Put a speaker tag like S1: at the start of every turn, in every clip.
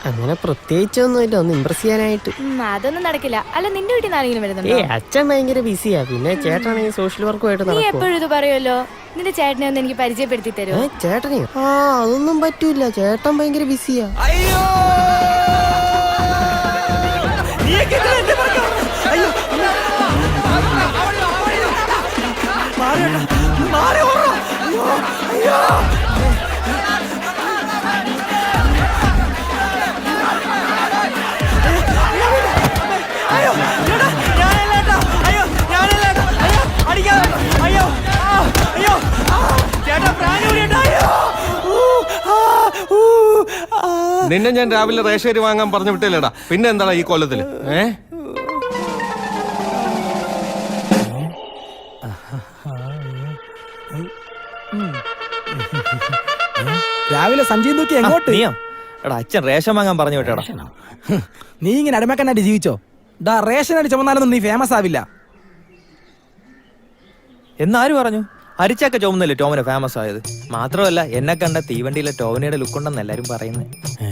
S1: അങ്ങനെ പ്രത്യേകിച്ചൊന്നുമില്ല, ഒന്ന് ഇമ്പ്രസ് ചെയ്യാനായിട്ട്.
S2: അതൊന്നും നടക്കില്ല. അല്ല, നിന്റെ വീട്ടിൽ നിന്ന് ആരെങ്കിലും വരുന്നുണ്ടോ?
S1: അച്ഛൻ ഭയങ്കര ബിസിയാ, പിന്നെ ചേട്ടനാണെങ്കിൽ സോഷ്യൽ വർക്കുമായിട്ട്
S2: നീ എപ്പോഴും ഇത് പറയുമല്ലോ. നിന്റെ ചേട്ടനെ ഒന്ന് എനിക്ക് പരിചയപ്പെടുത്തി തരുമോ?
S1: ചേട്ടനെയോ? അതൊന്നും പറ്റൂല, ചേട്ടൻ ഭയങ്കര ബിസിയാ.
S3: നിന്നെ ഞാൻ രാവിലെ റേഷരി വാങ്ങാൻ പറഞ്ഞു വിട്ടില്ലേടാ, പിന്നെ എന്താടാ ഈ കൊല്ലത്തില്?
S4: രാവിലെ സഞ്ജയ് നോക്കി എങ്ങോട്ട്?
S5: എടാ അച്ഛൻ റേഷൻ വാങ്ങാൻ പറഞ്ഞു വിട്ടേടാ.
S4: നീ ഇങ്ങനെ അടിമക്കനായിട്ട് ജീവിച്ചോ? ഡാ റേഷൻ അടി ചുമന്നാലൊന്നും നീ ഫേമസ് ആവില്ല.
S5: എന്നാര് പറഞ്ഞു? അരിച്ചൊക്കെ ചുമന്നല്ലേ ടോമിനെ ഫേമസ് ആയത്. മാത്രമല്ല എന്നെ കണ്ട തീവണ്ടിയിലെ ടോമിനിയുടെ ലുക്ക് ഉണ്ടെന്ന് എല്ലാരും പറയുന്നത്.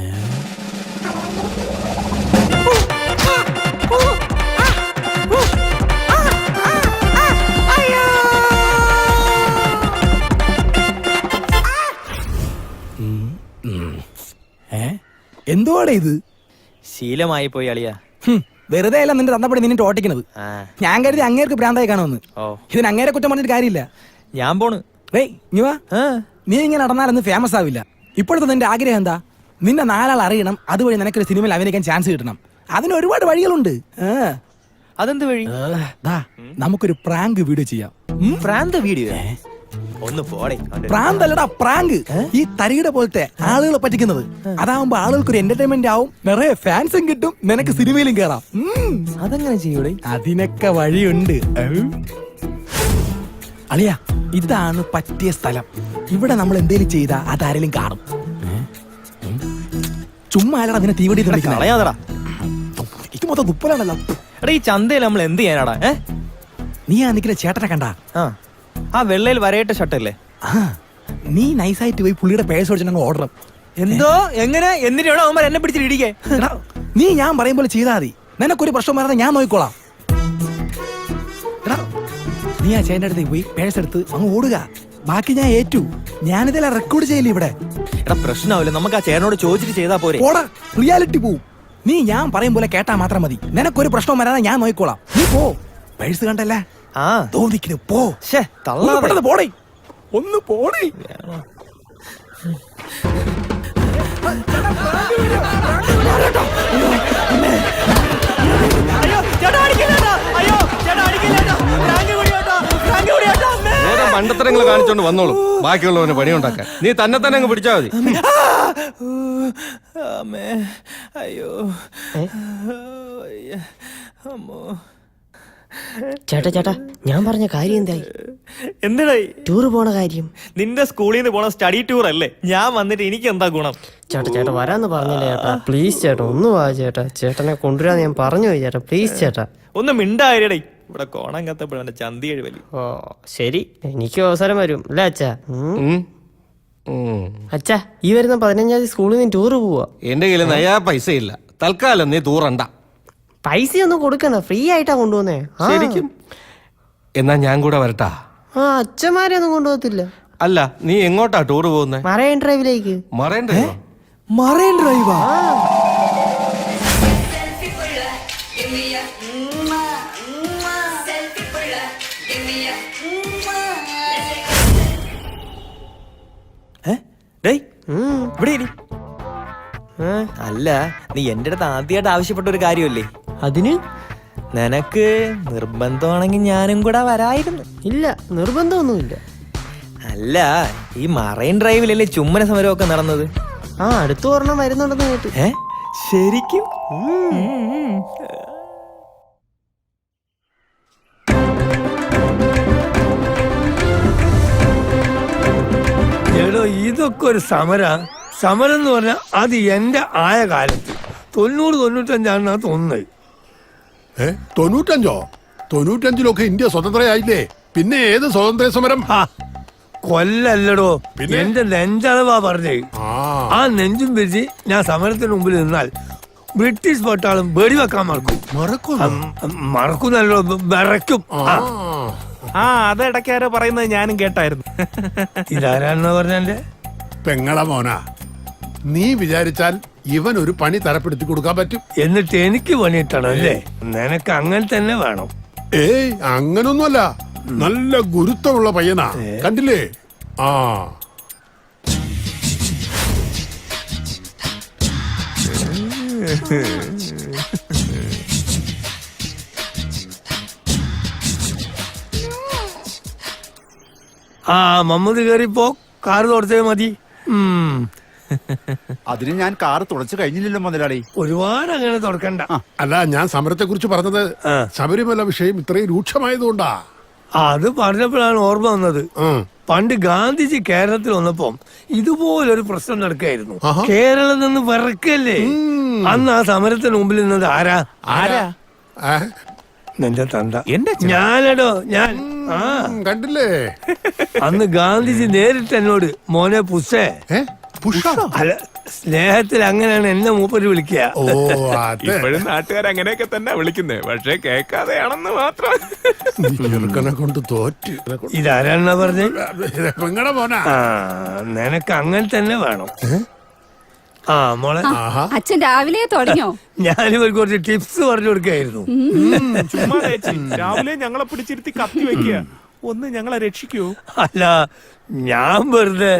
S4: എന്തുവാടെ ഇത്?
S5: ശീലമായി പോയി അളിയാ.
S4: വെറുതെ അല്ല നിന്റെ തന്നപ്പടി നിന്നിട്ട് ഓട്ടിക്കണത്. ഞാൻ കരുതി അങ്ങേർക്ക് ഭ്രാന്തായി കാണുമെന്ന്. ഇതിന് അങ്ങേരെ കുറ്റം പറഞ്ഞിട്ട് കാര്യമില്ല.
S5: ഞാൻ പോണ്.
S4: നീ ഇങ്ങനെ നടന്നാലൊന്നും ഫേമസ് ആവില്ല. ഇപ്പോഴത്തെ നിന്റെ ആഗ്രഹം എന്താ? നിന്നെ നാലാൾ അറിയണം, അതുവഴി നിനക്കൊരു സിനിമയിൽ അഭിനയിക്കാൻ ചാൻസ് കിട്ടണം. അതിന് ഒരുപാട് വഴികളുണ്ട്.
S5: അതെന്ത് വഴി?
S4: നമുക്കൊരു പ്രാങ്ക് വീഡിയോ ചെയ്യാം.
S5: പ്രാന്ത് വീഡിയോ? ഒന്ന് പോടേ.
S4: പ്രാന്തല്ലടാ, പ്രാങ്ക്. ഈ തരികിട പോലത്തെ ആളുകളെ പറ്റിക്കുന്നത്. അതാവുമ്പോ ആളുകൾക്ക് ഒരു എന്റർടൈൻമെന്റ് ആവും, നിറയെ ഫാൻസും കിട്ടും, നിനക്ക് സിനിമയിലും കേറാം.
S5: അതെങ്ങനെ ചെയ്യൂടെ?
S4: അതിനൊക്കെ വഴിയുണ്ട്. അളിയ, ഇതാണ് പറ്റിയ സ്ഥലം. ഇവിടെ നമ്മൾ എന്തേലും ചെയ്താ അതാരെങ്കിലും കാണും. ചുമ്മാ അല്ലടാ നിന്നെ തീവണ്ടി
S5: കളയാതെടാ.
S4: ഇത് മൊത്തം തുപ്പലാണല്ലോ.
S5: എടാ ഈ ചന്തയിൽ നമ്മൾ എന്ത് ചെയ്യാനാടാ?
S4: നീ ആ നിൽക്കുന്ന ചേട്ടനെ കണ്ടാ?
S5: ആ വെള്ളയിൽ വരയിട്ട ഷർട്ടല്ലേ?
S4: നീ നൈസായിട്ട് പോയി പുള്ളിയുടെ പേഴ്സ് ഓടിച്ചിട്ട് ഓർഡർ.
S5: എന്തോ എങ്ങനെ എന്നിട്ടാണോ അവന്മാർ എന്നെ പിടിച്ചിടിക്കേ?
S4: നീ ഞാൻ പറയും പോലെ ചെയ്താൽ മതി. നിനക്കൊരു പ്രശ്നം വരാതെ ഞാൻ നോക്കിക്കോളാം. നീ ആ ചേട്ടൻ്റെ അടുത്തേക്ക് പോയി പേഴ്സ് എടുത്ത് അങ്ങ് ഓടുക. ബാക്കി ഞാൻ ഏറ്റു. ഞാനിതെല്ലാം റെക്കോർഡ് ചെയ്യില്ല ഇവിടെ.
S5: എടാ പ്രശ്നമാവില്ല, നമുക്ക് ആ ചേട്ടനോട് ചോദിച്ചിട്ട് ചെയ്താ പോരെ.
S4: ഓടാ, റിയാലിറ്റി പോവും. നീ ഞാൻ പറയും പോലെ കേട്ടാ മാത്രം മതി. നിനക്കൊരു പ്രശ്നം വരാതെ ഞാൻ നോക്കിക്കോളാം. നീ പോ. പേഴ്സ് കണ്ടല്ലേ? തോന്നിക്കുന്നു. പോ. പോടേ, ഒന്ന് പോടേ.
S3: മണ്ടത്തരങ്ങൾ കാണിച്ചോണ്ട് വന്നോളൂ, ബാക്കിയുള്ളവന് പണിയുണ്ടാക്കാൻ. നീ തന്നെ തന്നെ അങ്ങ് പിടിച്ചാ മതി.
S5: അയ്യോ അമ്മോ.
S1: ചേട്ടാ ഞാൻ പറഞ്ഞ കാര്യം എന്തായി?
S5: എന്തായി?
S1: ടൂറ് പോണ കാര്യം.
S5: നിന്റെ സ്കൂളിൽ നിന്ന് പോണ സ്റ്റഡി ടൂർ അല്ലേ? ഞാൻ വന്നിട്ട് എനിക്ക് എന്താ ഗുണം?
S1: ചേട്ടാ വരാന്ന് പറഞ്ഞില്ലേ ചേട്ടാ? പ്ലീസ് ചേട്ടാ ഒന്ന് വാ ചേട്ടാ. ചേട്ടനെ കൊണ്ടുവരാന്ന് ഞാൻ പറഞ്ഞു പോയി ചേട്ടാ. പ്ലീസ് ചേട്ടാ
S5: ഒന്ന് മിണ്ടായിരടേ. ഇവിടെ കോണം കത്തപ്പോഴാണ് ചന്തി എഴുവലി.
S1: ഓ ശരി, എനിക്ക് അവസരം വരും അല്ലേ അച്ഛാ? അച്ഛാ ഈ വരുന്ന 15-ാം തീയതി സ്കൂളിൽ നിന്ന് ടൂറ് പോവാ.
S3: എന്റെ കയ്യിൽ നയാ പൈസ ഇല്ല. തൽക്കാലം നീ തൂറണ്ട.
S1: പൈസയൊന്നും കൊടുക്കണ്ട, ഫ്രീ ആയിട്ടാ കൊണ്ടുപോന്നേ.
S3: ശരിക്കും? എന്നാ ഞാൻ കൂടെ വരട്ടാ?
S1: അച്ഛന്മാരെ ഒന്നും കൊണ്ടുപോകത്തില്ല.
S3: അല്ല, നീ എങ്ങോട്ടാ ടൂർ പോകുന്നേ?
S1: മറൈൻ ഡ്രൈവിലേക്ക്.
S3: മറൈൻ ഡ്രൈവോ?
S4: മറൈൻ ഡ്രൈവാ?
S5: അല്ല, നീ എന്റെ അടുത്ത് ആദ്യമായിട്ട് ആവശ്യപ്പെട്ട ഒരു കാര്യമല്ലേ?
S1: അതിന്
S5: നിനക്ക് നിർബന്ധമാണെങ്കിൽ ഞാനും കൂടെ വരായിരുന്നു.
S1: ഇല്ല, നിർബന്ധമൊന്നുമില്ല.
S5: അല്ല, ഈ മറൈൻ ഡ്രൈവിലല്ലേ ചുമ്മന സമരമൊക്കെ നടന്നത്?
S1: അടുത്ത ഒരെണ്ണം വരുന്നുണ്ടെന്ന് കേട്ടു.
S5: ശരിക്കും?
S6: ഇതൊക്കെ ഒരു സമരം എന്ന് പറഞ്ഞാൽ അത് എന്റെ ആയ കാലത്ത് 90-95 തോന്നുന്നത്.
S7: 95? 95 ഇന്ത്യ സ്വതന്ത്രയായില്ലേ? പിന്നെ ഏത് സ്വാതന്ത്ര്യ സമരം?
S6: കൊല്ലല്ലടോ, എന്റെ നെഞ്ചളവാ പറഞ്ഞേ. ആ നെഞ്ചും പിരിച്ച് ഞാൻ സമരത്തിന് മുമ്പിൽ നിന്നാൽ ബ്രിട്ടീഷ് പട്ടാളം വെടിവെക്കാൻ മറക്കുന്നല്ലോ, വിറയ്ക്കും.
S4: അത് ഇടയ്ക്കാരോ പറയുന്നത് ഞാനും കേട്ടായിരുന്നു.
S6: ഇതാരാണെന്ന് പറഞ്ഞെ?
S7: പെങ്ങള മോനാ, നീ വിചാരിച്ചാൽ ഇവൻ ഒരു പണി തരപ്പെടുത്തി കൊടുക്കാൻ പറ്റും.
S6: എന്നിട്ട് എനിക്ക് പണിയിട്ടണം അല്ലേ? നിനക്ക് അങ്ങനെ തന്നെ വേണം.
S7: ഏയ് അങ്ങനൊന്നുമല്ല, നല്ല ഗുരുത്വമുള്ള പയ്യനാ, കണ്ടില്ലേ? ആ
S6: മമ്മൂദ് കേറിപ്പോ കാറ് തുടച്ചേ മതി.
S8: അതിന് ഞാൻ കാറ് തുടച്ചു കഴിഞ്ഞില്ലല്ലോ മുതലാളി.
S6: ഒരുപാട് അങ്ങനെ തുടക്കണ്ട.
S7: അല്ല, ഞാൻ സമരത്തെ കുറിച്ച് പറഞ്ഞത് ശബരിമല വിഷയം ഇത്രയും രൂക്ഷമായതുകൊണ്ടാ.
S6: അത് പറഞ്ഞപ്പോഴാണ് ഓർമ്മ വന്നത്. പണ്ട് ഗാന്ധിജി കേരളത്തിൽ വന്നപ്പോ ഇതുപോലൊരു പ്രശ്നം നടക്കായിരുന്നു. കേരളം നിന്ന് വിറക്കല്ലേ. അന്ന് ആ സമരത്തിന് മുമ്പിൽ നിന്നത് ആരാ? നിന്റെ തന്ത. ഞാനടോ ഞാൻ.
S7: കണ്ടില്ലേ?
S6: അന്ന് ഗാന്ധിജി നേരിട്ട് എന്നോട് മോനെ പുഷേ, അല്ല സ്നേഹത്തിൽ അങ്ങനെയാണ് എന്നെ മൂപ്പര് വിളിക്കുക.
S7: ഓ അതെ,
S4: ഇപ്പോഴും നാട്ടുകാർ അങ്ങനെയൊക്കെ തന്നെ വിളിക്കുന്നേ, പക്ഷെ കേൾക്കാതെയാണെന്ന് മാത്രം.
S7: ചെറുക്കനെ കൊണ്ട് തോറ്റ്.
S6: ഇതാരാണെന്നാ പറഞ്ഞേ?
S7: പെങ്ങടെ മോനാ.
S6: നിനക്ക് അങ്ങനെ തന്നെ വേണം. മോളെ,
S9: അച്ഛൻ രാവിലെ തുടങ്ങിയോ?
S6: ഞാനിവർക്ക് കുറച്ച് ടിപ്സ് പറഞ്ഞു കൊടുക്കായിരുന്നു.
S4: രാവിലെ ഞങ്ങളെ പിടിച്ചിരുത്തി കത്തി വെക്കുക, ഒന്ന് ഞങ്ങളെ രക്ഷിക്കൂ.
S6: അല്ല, ഞാൻ വെറുതെ.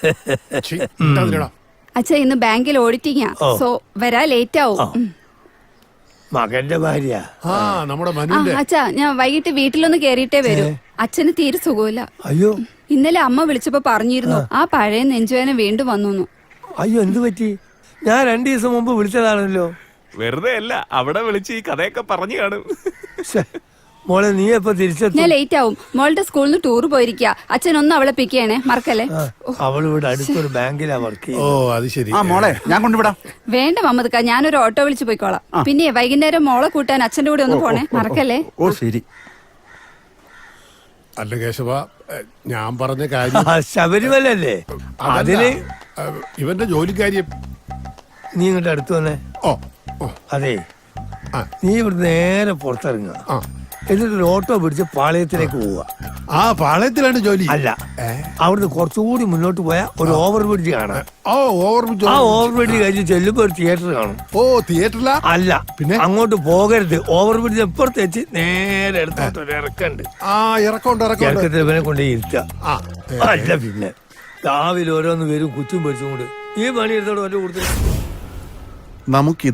S9: അച്ഛ ഇന്ന് ബാങ്കിൽ ഓഡിറ്റിംഗാ, സോ വരാ ലേറ്റ് ആവും.
S6: മകന്റെ ഭാര്യ
S7: നമ്മുടെ മനുവിന്റെ.
S9: അച്ഛാ ഞാൻ വൈകിട്ട് വീട്ടിലൊന്ന് കേറിയിട്ടേ വരൂ. അച്ഛന് തീരെ സുഖമില്ല.
S6: അയ്യോ,
S9: ഇന്നലെ അമ്മ വിളിച്ചപ്പോ പറഞ്ഞിരുന്നു ആ പഴയ നെഞ്ചുവേന വീണ്ടും വന്നു.
S6: അയ്യോ, എന്ത് പറ്റി? ഞാൻ 2 ദിവസം മുമ്പ് വിളിച്ചതാണല്ലോ.
S4: വെറുതെ അല്ല, അവിടെ വിളിച്ച് ഈ കഥയൊക്കെ പറഞ്ഞു കാണും.
S6: മോളെ, നീ എപ്പോ തിരിച്ചെത്തും?
S9: ഞാൻ ലേറ്റ് ആവും. മോളുടെ സ്കൂളിൽ നിന്ന് ടൂർ പോയിരിക്കുക. അച്ഛൻ ഒന്ന് അവളെ പിക്ക് ചെയ്യണേ, മറക്കല്ലേ.
S6: അവൾ ഇവിടെ അടുത്തൊരു ബാങ്കിലാ വർക്ക്.
S7: ഓ അത് ശരി.
S8: മോളെ ഞാൻ കൊണ്ടുവിടാം.
S9: വേണ്ട മമ്മദ്ക്ക, ഞാനൊരു ഓട്ടോ വിളിച്ച് പോയിക്കോളാം. പിന്നെ വൈകുന്നേരം മോളെ കൂട്ടാൻ അച്ഛന്റെ കൂടെ ഒന്ന് പോണേ, മറക്കല്ലേ.
S8: ഓ ശരി.
S7: അല്ല കേശവ, ഞാൻ പറഞ്ഞ കാര്യം
S6: ശബരിമല അല്ലേ? അതിന്
S7: ഇവന്റെ ജോലിക്കാര്യം.
S6: നീ ഇങ്ങോട്ട് അടുത്ത് വന്നേ. അതെ, നീ ഇവിടെ നേരെ പുറത്തിറങ്ങുക. എന്നിട്ടൊരു ഓട്ടോ പിടിച്ച് പാളയത്തിലേക്ക് പോവുക.
S7: ആ പാളയത്തിലാണ് ജോലി?
S6: അല്ല, അവിടുന്ന് കുറച്ചുകൂടി മുന്നോട്ട് പോയാൽ ഒരു ഓവർ ബ്രിഡ്ജ് കാണാം. ആ ഓവർ ബ്രിഡ്ജ് കഴിഞ്ഞ് ചെല്ലുമ്പോ ഒരു തിയേറ്റർ കാണും.
S7: ഓ തിയേറ്ററിലാ?
S6: അല്ല,
S7: പിന്നെ
S6: അങ്ങോട്ട് പോകരുത്. ഓവർ ബ്രിഡ്ജ് എപ്പുറത്ത് വെച്ച് നേരെ എടുത്തോട്ട് ഒരു ഇറക്കുണ്ട്. ഇറക്കത്തിൽ ഇവനെ കൊണ്ട് ഇരുത്തുക. അല്ല പിന്നെ രാവിലെ ഓരോന്ന് വരും കുച്ചും പൊരിച്ചും കൊണ്ട് ഈ പണി എടുത്തോട് വല്ല കൊടുത്തു.
S8: നമുക്ക്